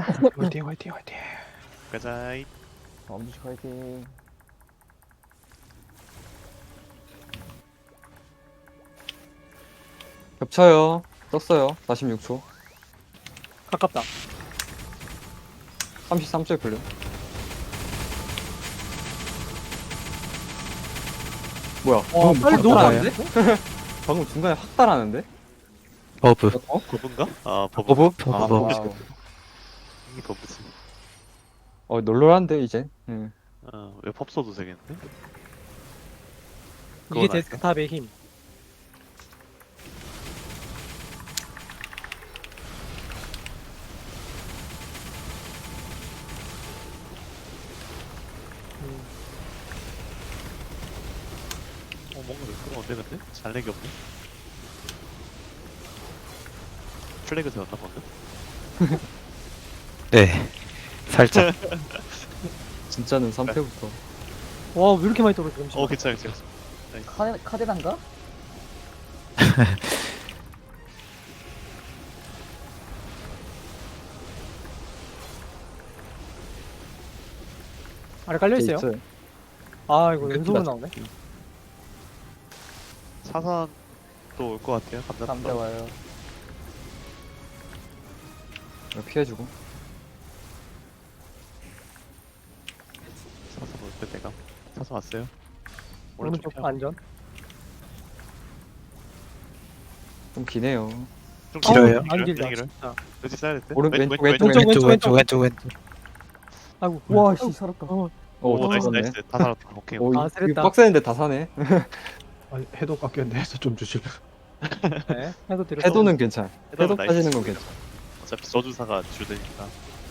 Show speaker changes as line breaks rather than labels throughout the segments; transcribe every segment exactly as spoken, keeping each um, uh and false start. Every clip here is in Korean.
화이팅 화이팅 화이팅.
가자이.
엄지식 화이팅.
겹쳐요. 떴어요. 사십육 초.
가깝다.
삼십삼 초에 풀려. 뭐야?
와, 빨리 너무
달아는데?
많은데?
방금 중간에 확 달하는데?
버브
어?
버브인가? 아 버브.
버브?
아
버브
버브.
와우.
이게 버브지.
어, 널널한데, 이제. 응.
어왜 펍 써도 되겠는데?
이게
그건
데스크탑의 힘. 음,
어 뭔가 매끄러운데 근데? 잘내기 없네. 플래그 세웠나 방금?
네 살짝
진짜는 삼 패부터.
와, 왜 이렇게 많이 떨어져, 잠시만.
어 괜찮아 괜찮아.
카데, 카데단가?
아래 깔려있어요?
게이트.
아, 이거
끝이다.
연속으로 나오네.
사선 또 올 것 같아요. 감자.
감자 와요.
이거 피해주고.
사선 올때 내가 사선 왔어요.
오른쪽
펴.
안전.
좀 기네요.
좀
길어요?
길어요?
안 길다,
길어요?
진짜.
그렇지 써야 될 때.
오른- 왼쪽,
왼쪽,
왼쪽
왼쪽,
왼쪽 왼쪽 왼쪽
아이고.
와, 씨, 살았다.
어,
오,
오 나이스
죽었네.
나이스 다 살았다. 오케이.
오,
아,
이-
세렸다.
이거 빡세는데 다 사네.
아니 해도 깎였는데 해서 좀 주실래?
네. 해도 드렸어.
해도는 괜찮아.
해도
해도
나이스.
빠지는 건 괜찮아.
어차피 저주사가 주되니까.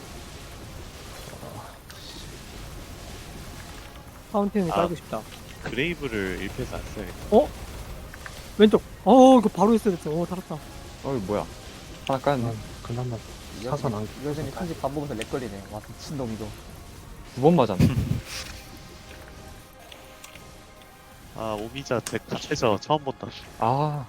파운틴을
아.
깔고 싶다.
그레이브를 일 패에서 안 써야겠다.
왼쪽. 어, 이거 바로 했어야 됐어. 어, 살았다.
어, 이거 뭐야. 하나 까였네.
난 그나마 사선 안.
여전히 편집 반복해서 렉 걸리네. 와, 미친놈 이거.
두 번 맞았네.
아 오미자 데카 최저 처음 본다.
아,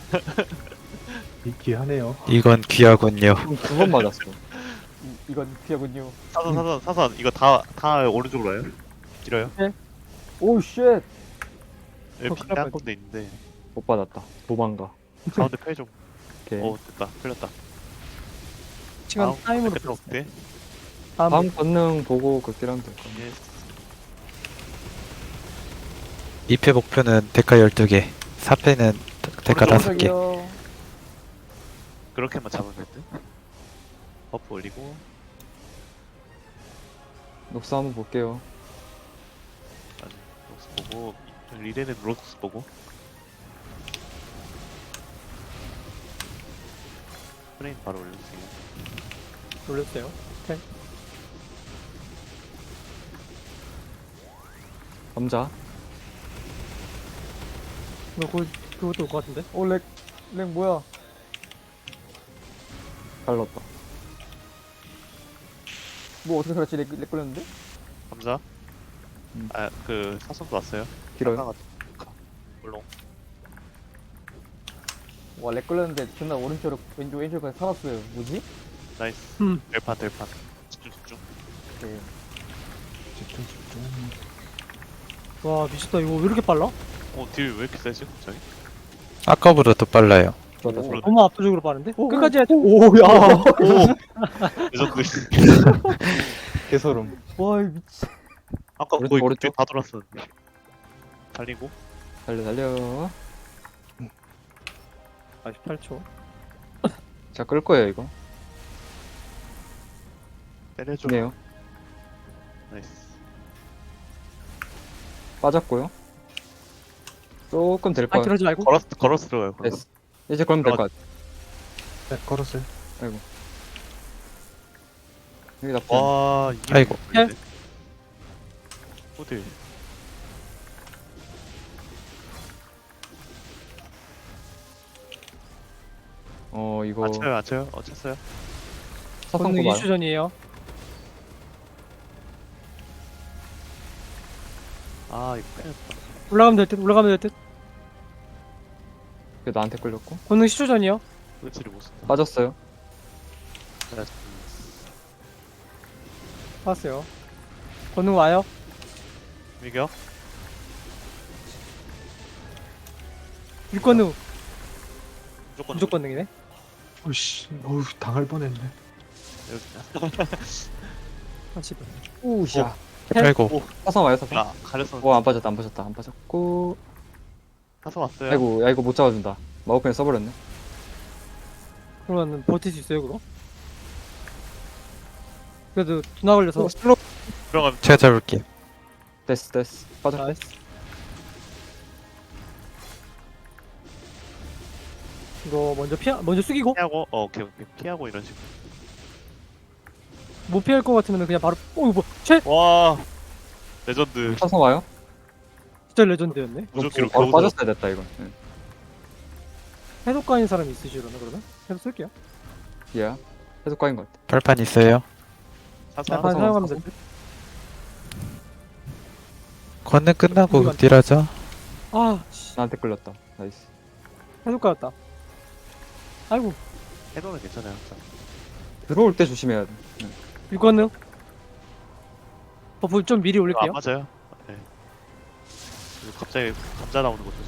있기하네요.
이건 귀하군요.
두 번 맞았어.
이, 이건 피하군요.
사선 사선 사선 이거 다 다 오른쪽으로 와요? 길어요?
오, 쉣.
어,
여기
큰일
빈대
날
한 건데 있는데
못 받았다. 도망가.
가운데 펴 좀.
오케이.
오 됐다 풀렸다.
시간 타임으로
됐다
풀었어.
어때?
다음.
다음 권능 보고 극딜하면 될 거야.
예.
이 패 목표는 데카 열두 개 사 패는 데카
오른쪽,
다섯 개
저기요.
그렇게만 잡으면 될 듯. 버프 올리고
녹스 한번 볼게요.
아니 로스 보고 리레는 로스 보고. 프레임 바로 올려주세요.
놀렸어요.
감자.
이거 그, 그것도 올 것 같은데?
오, 렉, 렉 뭐야?
갈랐다.
뭐 어떻게 살았지? 렉, 렉 걸렸는데?
감자.
음.
아 그 사선도 왔어요.
길어요.
물론.
와, 렉 걸렸는데 존나 오른쪽으로 왼쪽 왼쪽까지 살았어요. 뭐지?
나이스.
음.
del판 del판. 집중 집중.
네.
집중 집중.
와, 미쳤다. 이거 왜 이렇게 빨라?
어딜 왜 이렇게 세지 갑자기?
아까보다 더 빨라요.
좋았다.
오.
좋았다.
너무 압도적으로 빠른데?
오,
끝까지 해야지.
오, 야.
레전드.
개소름.
와, 이 미친.
아까
오른쪽,
거의
오른쪽.
다 돌았었는데. 달리고.
달려, 달려.
사십팔 초.
자, 끌 거예요, 이거.
때려줘.
기네요.
나이스.
빠졌고요. 조금 될
아,
거야.
그러지 말고.
걸어스 걸어스 들어가요. 걸어스.
됐어. 이제 그러면 될 것 같아.
네 걸었어요.
여기 나쁘지 않아.
와 이게
아이고.
보이네. 호들.
어, 이거
안 쳐요 안 쳐요? 어 쳤어요.
사선
권능
고봐요.
이슈 전이에요.
아 이거 빼냈다.
올라가면 될 듯, 올라가면 될 듯.
그게 나한테 끌렸고.
권능 십 초 전이요.
의지를 못 쓴다.
빠졌어요.
나
살았어요. 권능 와요.
밀격.
육권능
무조건.
무조건 능이네.
어이씨, 어우, 당할 뻔했네.
여기.
한 십.
우샤.
아이고
사선 와요, 사선.
아, 가렸어.
오, 안 빠졌다, 안 빠졌다, 안 빠졌고.
사서 왔어요.
아이고, 야, 이거 못 잡아준다. 마우펜 써버렸네.
그러면 버틸 수 있어요 그거? 그래도 두나 걸려서
어, 슬로.
들어가면
제가 잡을게요.
됐어, 됐어. 빠져.
나이스. 이거 먼저 피하 먼저 숙이고
피하고, 어, 오케이, 오케이. 피하고 이런 식으로.
못 피할 것 같으면 그냥 바로 오 이거 뭐최
와, 레전드.
사선 와요?
진짜 레전드였네.
무적기로
바로
겨우
빠졌어야 됐다, 이건. 응.
해독가인 사람이 있으시려나 그러면? 해독 쓸게요.
예. 계속 까인 것 같아.
발판 있어요.
사서.
발판
사서,
사용하면
사서.
될 듯.
권능 끝나고
우리가-
극딜하죠.
아 씨,
나한테 끌렸다. 나이스.
해독가였다. 아이고
해도는 괜찮아요, 항상.
들어올 때 조심해야 돼.
육권능 버프 좀 미리
이거
올릴게요.
안 맞아요. 네. 그리고 갑자기 감자 나오는 것도.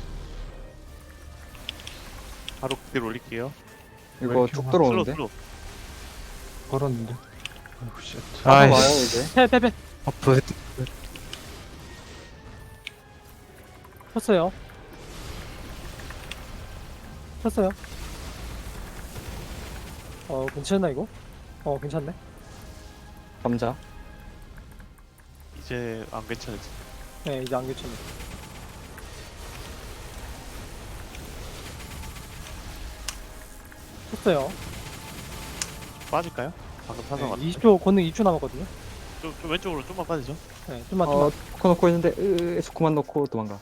바로 그대로 올릴게요.
이거
왜 이렇게
쭉
막
슬로,
들어오는데?
슬로.
걸었는데. 아이고, 씨.
사선 와요,
아이씨.
이제.
패패패
버프 헤드.
쳤어요. 쳤어요. 어 괜찮나 이거? 어 괜찮네.
감자.
이제 안 괜찮을지.
네 이제 안 괜찮네. 쳤어요.
빠질까요? 방금 사서
네,
왔는데.
이십 초 권능 이십 초 남았거든요.
좀, 좀 왼쪽으로 좀만 빠지죠.
네 좀만
어,
좀만.
코놓고 있는데, 으, 수쿠만 넣고 도망가.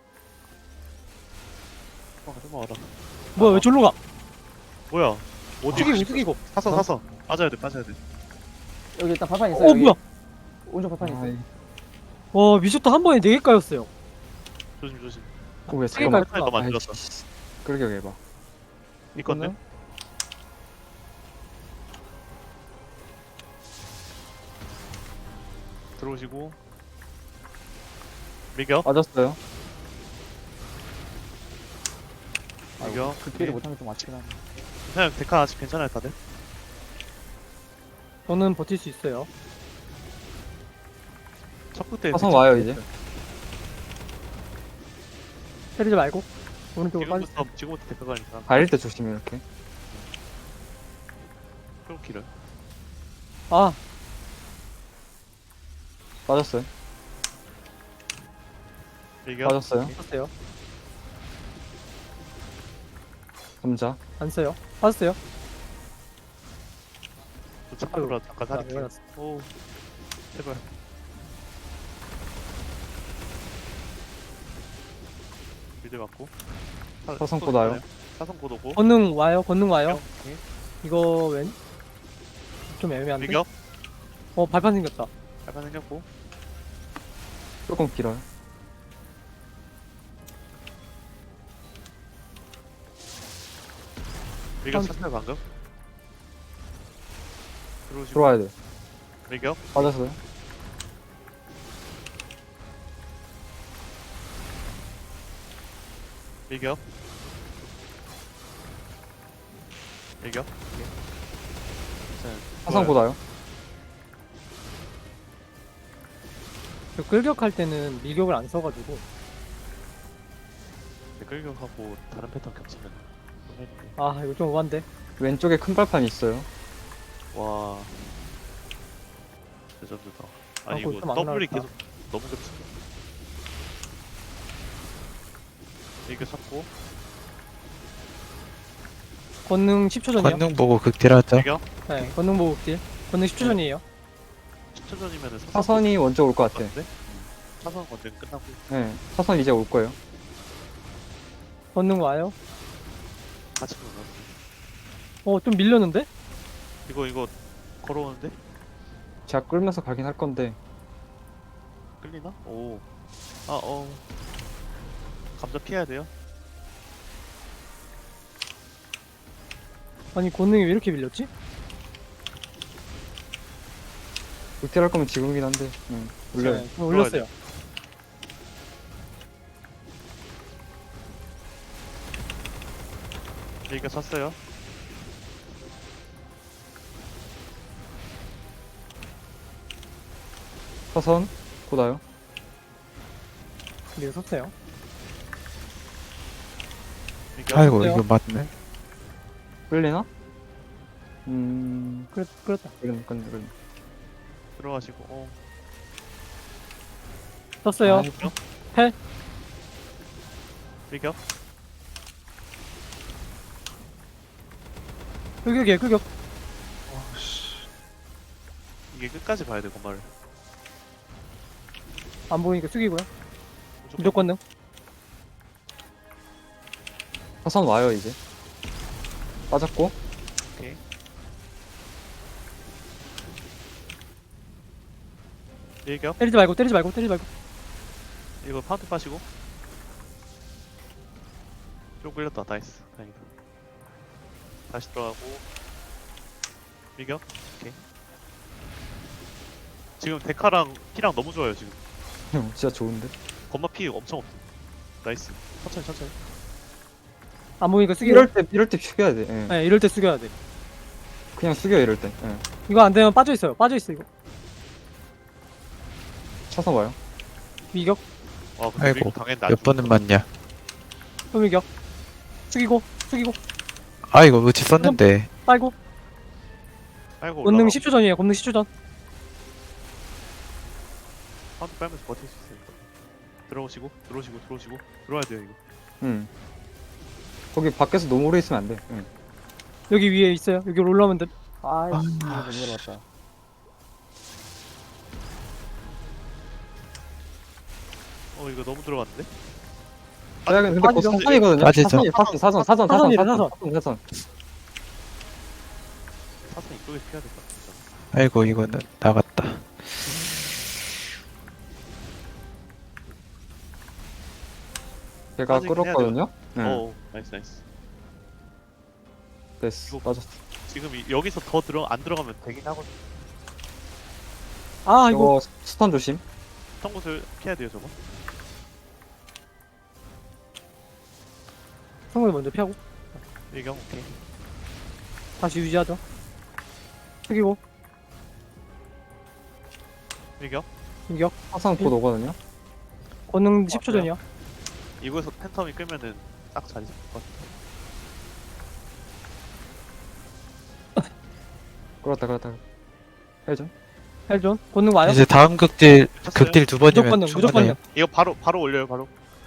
좀만, 좀만 와라.
뭐야 왜 졸로 가?
뭐야? 어디?
숙이고 숙이고.
사서, 사서. 빠져야 돼, 빠져야 돼.
여기 일단 발판 있어요.
어
여기.
뭐야?
오른쪽 발판 있어요.
아이,
와 미쳤다 한 번에 네 개 까였어요.
조심, 조심.
오, 왜
세개
잠깐만.
깔-
너만
아이,
들었어.
씨. 그러게 해봐.
이 건데? 들어오시고. 밀격.
빠졌어요.
밀격.
극딜을 못하는 게 좀 아쉽긴 하네.
그냥 데카 아직 괜찮아요, 다들?
저는 버틸 수 있어요.
첫 그때.
사선 와요, 이제.
때리지 말고 오른쪽으로 빠지.
지금부터, 지금부터 데카 가니까.
가릴 때 조심해, 이렇게.
프로키를.
아
빠졌어요.
밀격.
빠졌어요.
썼어요.
감자.
안 써요. 빠졌어요.
또 참고로 잠깐
자,
사릴게요.
일어났어.
오, 제발. 빌드 맞고. 사-
사선
또
곧 와요.
있잖아요. 사선 곧 오고.
권능 와요. 권능 와요.
오케이.
이거 왼? 좀 애매한데.
밀격.
어 발판 생겼다.
약간 생겼고.
조금 길어요.
밀격
한-
찼어요, 방금. 들어오시고.
들어와야 돼.
밀격.
빠졌어요.
밀격. 밀격. 오케이. 자,
사선 곧 와요.
저 끌격할 때는 밀격을 안 써가지고
네, 끌격하고 다른 패턴 겹치면 좀 해볼게.
아 이거 좀 오반데.
왼쪽에 큰 발판 있어요.
와, 레전드다. 아니
아, 그거
이거
좀안
더블이
나왔다.
계속 너무 겹친다. 이렇게 잡고
권능 십 초 전이요.
권능 보고 극딜하죠.
밀격.
네 권능 보고 딜. 권능 십 초 전이에요.
십 초 전이면은 사선
사선이 먼저 올 것 같아.
같은데? 사선 건전 끝나고
네. 사선 이제 올 거예요.
권능 와요.
같이 놀아.
어 좀 밀렸는데?
이거 이거 걸어오는데
제가 끌면서 가긴 할 건데.
끌리나? 오. 아 어. 감자 피해야 돼요.
아니 권능이 왜 이렇게 밀렸지?
극딜 할 거면 지금이긴 한데. 응. 올려요.
네, 좀 올렸어요.
밀격 쳤어요.
사선 곧 와요.
네, 섰어요.
밀격.
아이고
어때요?
이거 맞네.
끌리나? 음.
그렇, 그렇다.
끌리네, 끌리네, 끌리네.
들어가시고. 어.
섰어요.
아,
밀격.
헬.
밀격.
끄격이에요, 끄격.
어씨.
이게 끝까지 봐야 돼 건말을.
안 보이니까 숙이고요. 무조건 능.
사선 와요, 이제. 빠졌고.
오케이. 밀격.
때리지 말고, 때리지 말고, 때리지 말고.
이거 파운트 빠시고. 좀 끌렸다. 나이스. 다행이다. 다시 들어가고. 밀격. 오케이. 지금 데카랑 피랑 너무 좋아요 지금.
형, 진짜 좋은데?
건마 피 엄청 없어. 나이스. 천천히 천천히.
안 보이니까 숙이고.
이럴 때, 이럴 때 숙여야 돼. 예.
네, 이럴 때 숙여야 돼.
그냥 숙여, 이럴 때. 예.
이거 안 되면 빠져있어요. 빠져있어, 이거.
사선 와요.
미격,
와 근데
아이고,
밀격 당했는데 안
몇 번은 맞냐.
또 미격. 숙이고, 숙이고,
아 이거 의지 썼는데.
빨고.
아이고
권능
올라가.
십 초 전이에요, 권능 십 초 전.
파운트 빨면서 버틸 수 있어요. 들어오시고 들어오시고 들어오시고 들어와야 돼요 이거.
응. 거기 밖에서 너무 오래 있으면 안 돼. 응.
여기 위에 있어요. 여기 올라오면 돼.
아이씨, 이거 못 내려왔다.
어 이거 너무 들어갔는데?
아, 근데 그거
빠지죠.
사선이거든요?
빠지죠.
사선이, 사선, 사선, 사선, 사선,
사선이래,
사선,
사선.
사선, 사선.
사선 이쪽에 피해야 될 것 같아.
아이고 이거는 나갔다.
걔가
빠지긴 해야
끌었거든요? 응.
어 나이스 나이스.
됐어.
이거-
빠졌어.
지금 이, 여기서 더 들어 안 들어가면 되긴 하거든.
아, 이거.
이거 스턴 조심.
성구슬 피해야 돼요 저거.
성공이 먼저 피하고.
밀격 오케이.
다시 유지하죠. 숙이고,
밀격.
미격.
사선 곧 오거든요?
권능 십 초
그래요?
전이요.
이거에서 팬텀이 끄면은 딱 자리 잡을 것 같아.
끌었다, 끌었다. 해줘.
헬존. 권능 와요.
이제 다음 극딜
쳤어요?
극딜 두
무조건
번이면
능, 무조건
충분해요.
능.
이거 바로 바로 올려요 바로.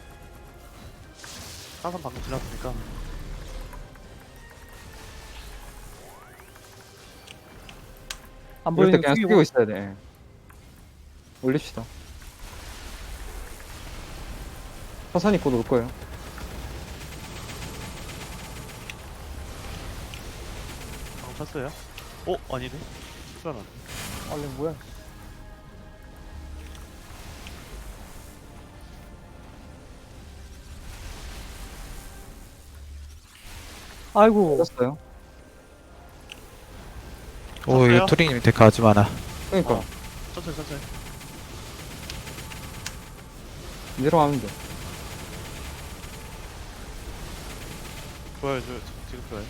사선 방금 지났으니까.
안
이럴 때
보이니까
그냥
숙이고.
숙이고 있어야 돼. 예. 올립시다. 사선이 곧 올 거예요.
방금 쳤어요. 어 아니네. 실수하나.
아, 이거 뭐야?
아이고.
빠졌어요.
오
쳤어요?
이거 투링님 데카 아주 많아.
그러니까.
어. 천천히 천천히.
내려가면 돼.
좋아요 좋아요 지금 좋아요.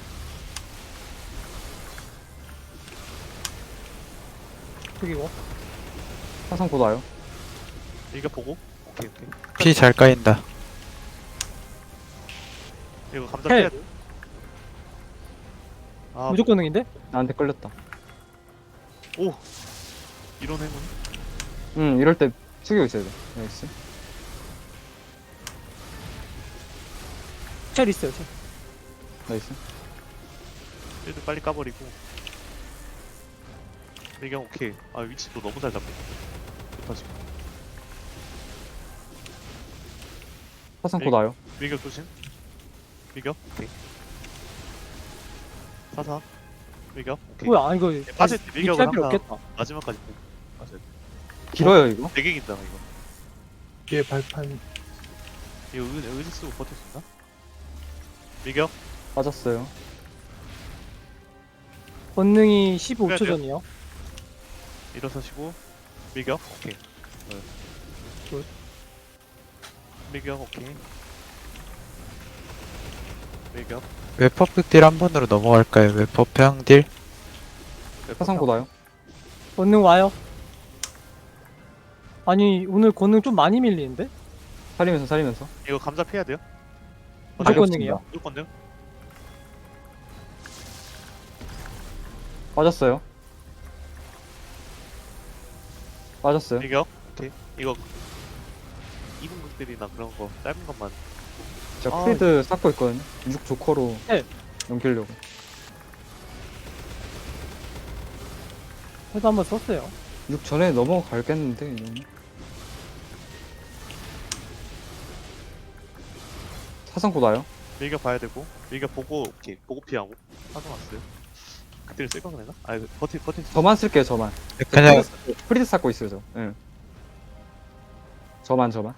숙이고.
사선 곧 와요.
밀격 보고. 오케이 오케이.
피 잘 까인다.
이거 감자
헬.
피해야 돼. 아
무조건 능인데?
나한테 끌렸다.
오 이런 행운.
응, 이럴 때 숙이고 있어야 돼. 나이스.
첼 있어요, 첼.
나이스.
일도 빨리 까버리고. 밀격 오케이. 아 위치도 너무 잘 잡고. 좋다 지금.
사선
네.
곧 와요.
밀격 조심. 밀격 오케이. 사사. 밀격 오케이.
뭐야, 아, 이거.
빠질 때 밀격을
할 필요
항상
없겠다.
마지막까지 보고. 맞아요.
길어요, 이거.
되게 긴다 이거.
뒤에 발판.
이거 의, 의지 쓰고 버틸 수 있나? 밀격.
빠졌어요.
권능이 십오 초
돼요?
전이요.
일어서시고 밀격 오케이. 네.
굿.
밀격 오케이. 밀격.
웹퍼 극딜 한 번으로 넘어갈까요? 웹퍼 평딜?
사상 보다요.
권능 와요. 아니 오늘 권능 좀 많이 밀리는데?
살리면서 살리면서.
이거 감자 피해야 돼요?
무슨
가격
권능이요?
무조건요?
빠졌어요. 빠졌어요.
밀격 오케이. 이거 이분 극들이나 그런 거 짧은 것만.
제가
아.
프리드 쌓고 있거든요. 육 조커로
네.
넘기려고.
해도 한번 썼어요.
육 전에 넘어갈겠는데 이러면. 사상 보다요.
밀격 봐야 되고 밀격 보고 오케이 보고 피하고 사선 왔어요. 그때를 쓸 거가 되나? 아 이거 버티 버티.
저만 쓸게요 저만.
그냥
프리드, 프리드 쌓고 있어요 저. 예. 저만 저만.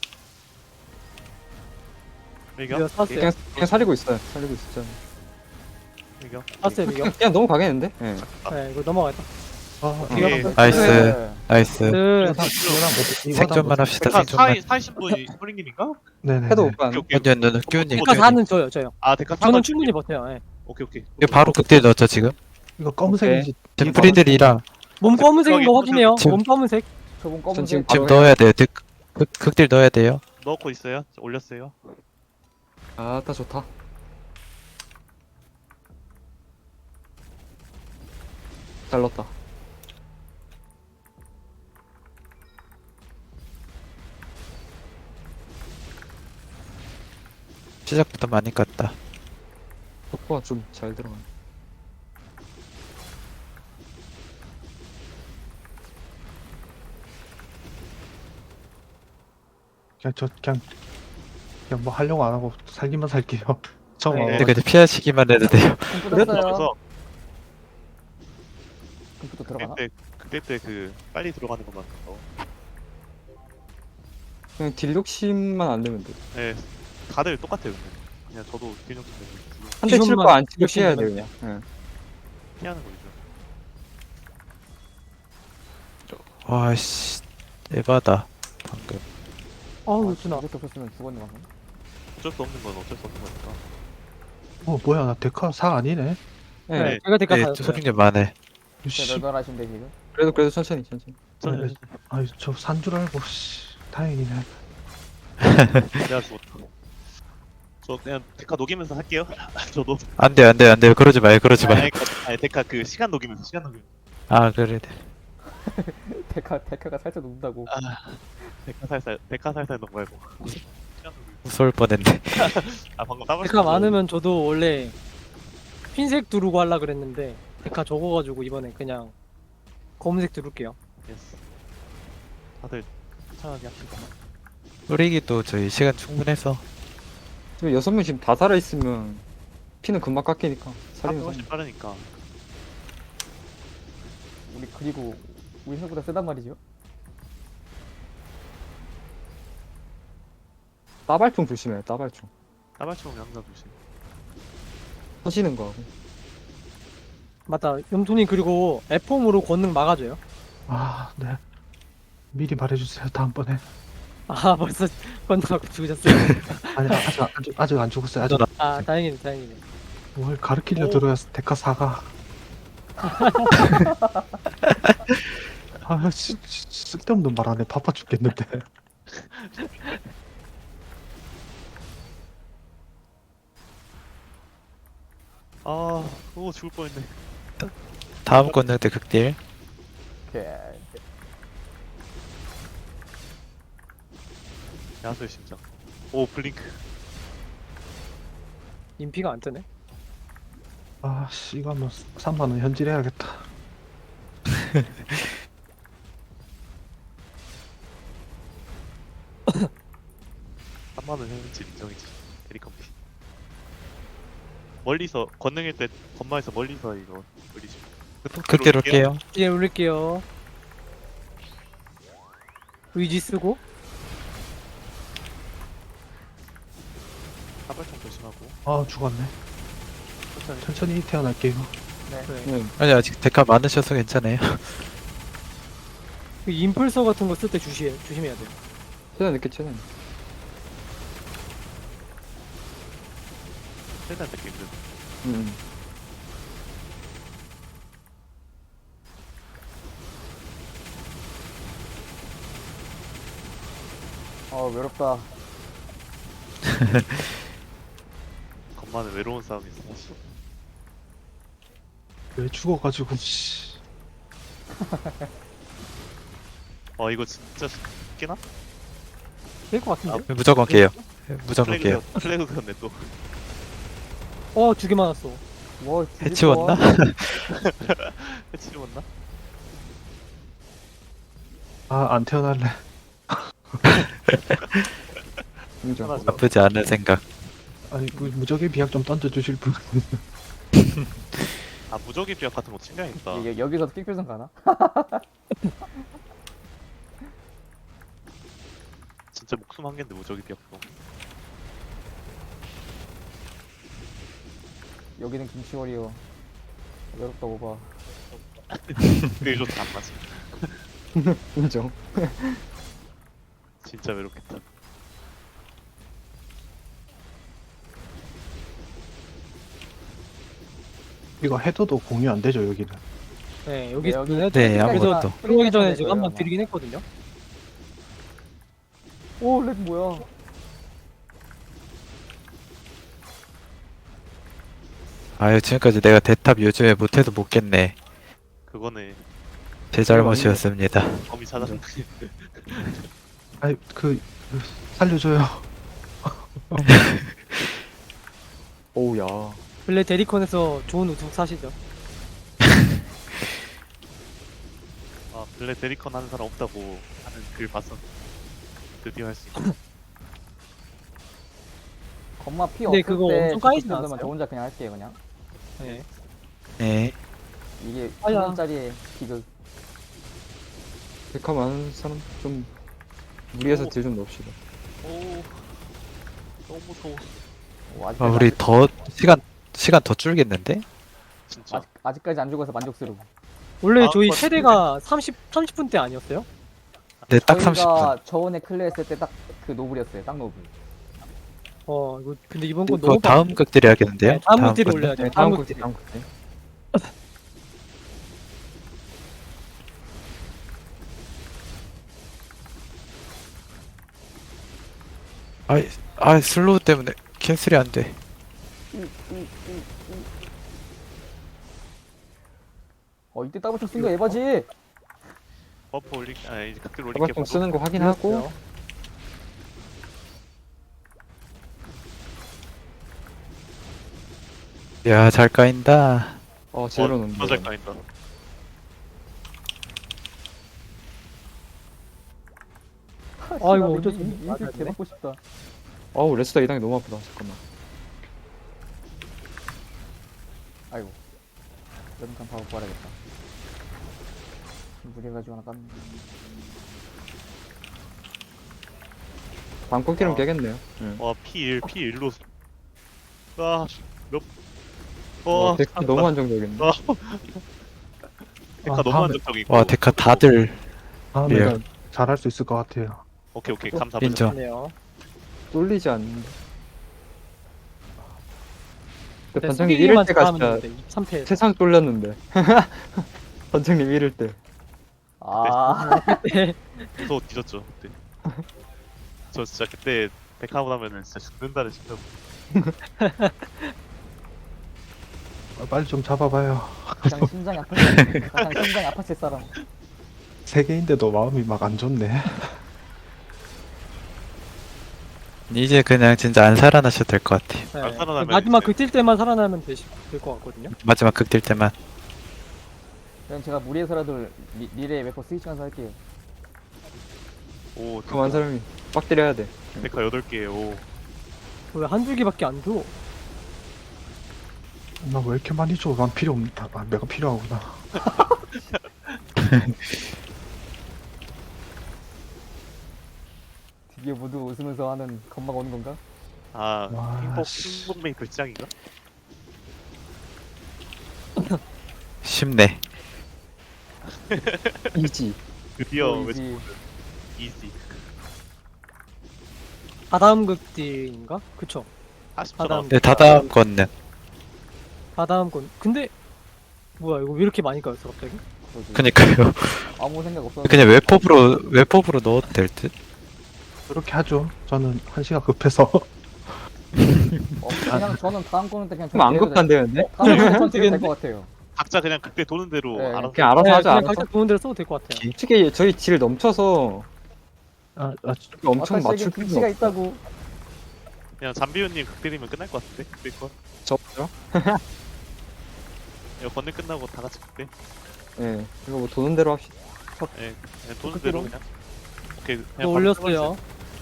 밀격
이거 샀어요.
오케이.
그냥 그냥 살리고 있어요. 살리고 있었죠.
밀격
샀어요 이거.
그냥, 그냥 넘어가겠는데. 예.
네 이거 넘어가겠다.
아,
이거
이거
한번
나이스.
네.
나이스.
그
이거랑 뭐- 이거랑
생존만
뭐-
합시다.
데카
생존만.
사이 사이신 분이 스프링님인가?
네네.
해도 오빠.
오케이 오케이.
언제 너는 끼우님.
데카 사는 저요 저요.
아 데카
저는
사선
충분히 버텨요. 예.
오케이 오케이.
이거 바로 극딜 넣었죠 지금?
이거 검은색인지
지금 프리들이라
몸 검은색인 거
저기,
확인해요.
지금-
몸 검은색.
저분
전 지금
검은색.
지금
바로
넣어야 돼요. 득, 극, 극딜 넣어야 돼요.
넣고 있어요. 올렸어요.
아따 좋다. 잘 넣었다.
시작부터 많이 깠다.
속도가 좀 잘 들어가.
그냥 저 그냥 그냥 뭐 하려고 안 하고 살기만 살게요. 처음
네.
와봐.
근데 그냥 피하시기만 해도 돼요.
컴퓨터 떴어요.
그래서
컴퓨터 들어가나?
그때 그때 때 그 빨리 들어가는 것만. 어.
그냥 딜 욕심만 안 되면 돼.
네. 다들 똑같아요 근데. 그냥 저도 균형 좀 내고
한 대 칠
기존만
거 안 치고
욕심
피해야
내면
돼요 그냥. 예.
피하는 거죠.
와씨 에바다 방금.
어우
아,
준아.
이렇게 없었으면 죽었네 방금.
어쩔 수 없는 건 어쩔 수 없는 거니까.
어 뭐야 나 데카 사 아니네.
예.
네, 제가 데카
네,
사였어요.
소중님 많네.
씨.
널널 하신데 지금.
그래도 그래도 천천히 천천히.
저는
네. 아이 저 산 줄 알고 씨. 다행이네.
내가 죽었다. 저 그냥 데카 녹이면서 할게요. 저도.
안 돼요, 안 돼요, 안 돼요. 그러지 마요, 그러지 마요.
아니, 아니 데카 그 시간 녹이면서 시간 녹이면서.
아 그래.
데카 데카가 살짝 녹는다고.
아 데카 살살 데카 살살 녹 말고. 시간 녹이면서.
무서울 뻔했네.
아 방금 따블.
데카 많으면 저도 원래 흰색 두르고 하려 그랬는데 데카 적어가지고 이번에 그냥 검은색 두를게요.
예스. 다들 천천하게 합시다.
뿌리기도 저희 시간 충분해서.
지금 여섯 명 지금 다 살아 있으면 피는 금방 깎이니까
사람이
살리면서.
훨씬 빠르니까.
우리 그리고 우리 생각보다 세단 말이죠.
따발총 조심해요. 따발총.
따발총 항상 조심.
터지는 거 하고.
맞다. 염톤이 그리고 에폼으로 권능 막아줘요.
아 네. 미리 말해주세요 다음번에.
아 벌써 권능하고 죽으셨어요.
아니 아직 안- 아직 아직 안 죽었어요. 아직
아 다행이네 다행이네.
뭘 가르치려
오.
들어야 데카 사가. 아 씨, 씨, 쓸데없는 말 안해. 바빠 죽겠는데.
아, 오 죽을 뻔했네.
다음 건능 때 극딜.
오케이.
야수의 심장. 오 블링크.
인피가 안 뜨네.
아씨 이거 한번 삼만 원 현질해야겠다.
삼만 원 현질 인정이지. 대리컴피. 멀리서 건능일 때 건마에서 멀리서 이거 올리지.
극딜 올게요.
뒤에 올릴게요. 의지 쓰고
사발총 조심하고
아 죽었네.
천천히.
천천히 태어날게요.
네.
네.
네.
아니 아직 데카 많으셔서 괜찮아요.
그 임펄서 같은 거 쓸 때 주시 조심해야 돼요.
최대한 늦게 최대한.
최대한 느낌 힘든.
음.
어 외롭다.
건만은 외로운 싸움이 있어. 사실.
왜 죽어가지고 씨.
어 이거 진짜 깨나?
될 것 같은데?
무조건 깨요. 무조건 깨요.
플래그 플래그 그었네 또.
어, 두 개 맞았어.
뭐
해치웠나?
해치 왔나?
아 안 태어날래.
인정.
편하죠.
나쁘지 않은 생각.
아니 그 무적의 비약 좀 던져주실 분.
아 무적의 비약 같은 거 챙겨야겠다.
여, 여기서도 픽필선 가나?
진짜 목숨 한 개인데 무적의 비약도.
여기는 김치월이요. 외롭다고 봐.
그게 좋다 안 맞아.
인정.
진짜 외롭겠다.
이거 헤더도 공유 안 되죠 여기는.
네, 여기
네, 여기-
는
네,
그래서
아무것도.
들어가기 전에 제가
거예요,
한번
아마.
드리긴 했거든요.
오, 렉 뭐야?
아유 지금까지 내가 대탑 요즘에 못해도 못 깼네.
그거는
제 잘못이었습니다.
범이 찾았는데.
아니 그, 그 살려줘요.
오우야.
원래 데리콘에서 좋은 우승 사시죠.
아 블랙 데리컨 하는 사람 없다고 하는 글 봤어. 드디어 할 수 있어.
겁마 피
근데
없을
그거
때
엄청 까이지
정도면
않았어요?
저 혼자 그냥 할게요 그냥.
네.
네.
이게
아야.
천 원짜리의 비극.
백화 많은 사람 좀 무리해서
오.
딜 좀 넣읍시다.
오 너무 무서워.
오, 아직까지
아, 우리
안-
더 시간 시간 더 줄겠는데?
진짜.
아직, 아직까지 안 죽어서 만족스러워.
원래
다음
저희
번
최대가 삼십 삼십 분대 아니었어요?
네, 딱 삼십 분.
저희가 저번에 클레 했을 때 딱 그 노블이었어요. 딱 노블.
어, 이거 근데 이번 건
그거
너무
다음 극들이 하겠는데요?
네, 다음 극딜
건데?
올려야 돼요.
네,
다음
다음
극딜.
곡 다음 곡. 네.
아이, 아 슬로우 때문에 캔슬이 안 돼.
어 이때 따블총 쓴거 에바지.
버프 올리 아 이제 각들 올릴게.
사과총 쓰는 거 확인하고
야, 잘 까인다.
어 제대로 넣는
어, 맞을 까인다.
아, 이거 어쩔 수 없네.
인질
맞았네.
개받고 싶다.
어우 레스터 이당이 너무 아프다. 잠깐만.
아이고. 여름간 바로 구하야겠다. 무리해가지고 하나 깠네.
다음 꺾기는
어.
깨겠네요. 응.
와 피 일 피 일로. 아 몇.
와
와
데크 너무 안정적이네.
아, 데카
아,
너무
다음에-
안정적이고.
와, 데카 다들
다음에는
예.
잘할 수 있을 것 같아요.
오케이 오케이 감사.
인정.
네요.
쫄리지 않는데. 근데
네,
반장님
수비기만
이럴 때가
잘하면
진짜
되는데, 삼 패.
세상 쫄렸는데. 반장님 이럴 때.
아,
무서워 뒤졌죠 그때. 저 진짜 그때 데카하고 나면은 진짜 죽는다는 싶다고.
아, 빨리 좀 잡아봐요.
가장 심장이 아팠을 가장 심장이 아팠을 사람.
세 개인데도 마음이 막 안 좋네.
이제 그냥 진짜 안 살아나셔도 될 것 같아요.
네.
안 살아나면
마지막
이제-
극딜 때만 살아나면 될 것 같거든요.
마지막 극딜 때만.
그냥 제가 무리해서라도 미, 미래에 몇 번 스위칭해서 할게요.
오
그만 사람이 빡 때려야 돼.
데카 여덟 개. 오.
왜 한두 개밖에 안 줘?
나 왜 이렇게 많이 줘? 난 필요 없다. 아, 내가 필요하구나.
드디어 모두 웃으면서 하는 건막 오는 건가?
아
와,
핑퐁
씨.
핑퐁 메이 불장인가?
쉽네.
이지.
드디어
어,
외치
이지.
이지.
다다음 극딜인가? 그쵸.
사십 초
하단.
남았.
네, 다다음 건는
다다음 건 근데 뭐야 이거 왜 이렇게 많이 까였어 갑자기?
그러지.
그니까요.
아무 생각 없었는데.
그냥 웹법으로 웹법으로 넣어도 될 듯?
그렇게 하죠. 저는 한시가 급해서.
어, 그냥 저는 다음 거는 때 그냥
좀 안 급한데는데?
어, 다음 거는 전 되게 될것 같아요.
각자 그냥 그때 도는 대로
네,
알아서.
그냥 알아서
네,
하자
그냥
알아서.
각자 좋은 대로 써도 될 것 같아요.
솔직히 저희 질 넘쳐서
아, 아
엄청
아까
맞출
시에게
필요
김치가
없어.
있다고.
그냥 잠비우님 극딜이면 끝날 것 같은데. 그때 거.
저요?
이거 건능 끝나고 다 같이 극딜.
예. 이거 뭐 도는 대로 합시다.
예. 그냥 도는
극딜로?
대로 그냥. 오케이.
이거
그냥
올렸어요.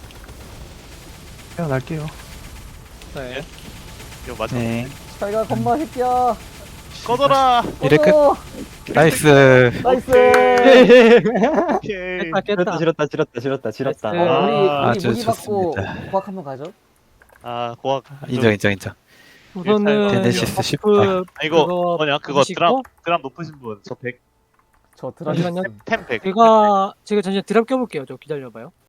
태어날게요.
네.
이거 맞아.
네.
잘가 건마 새끼야.
꺼져라.
이래 끝.
꺼져.
나이스.
나이스.
오케이.
깼다 깼다.
지렸다 지렸다 지렸다 지렸다 지렸다.
나이스.
아,
우리 우리
아주
무기 받고
좋습니다.
고학 한번 가죠.
아 고학.
인정 인정 인정.
우선은
제네시스 쉽다.
버프
아 이거
그거
뭐냐 그거
보시고
드랍 드랍 높으신 분. 저 백.
저 드라마
잠시만요.
템 백.
제가 제가 잠시만 드랍 껴볼게요. 저 기다려봐요.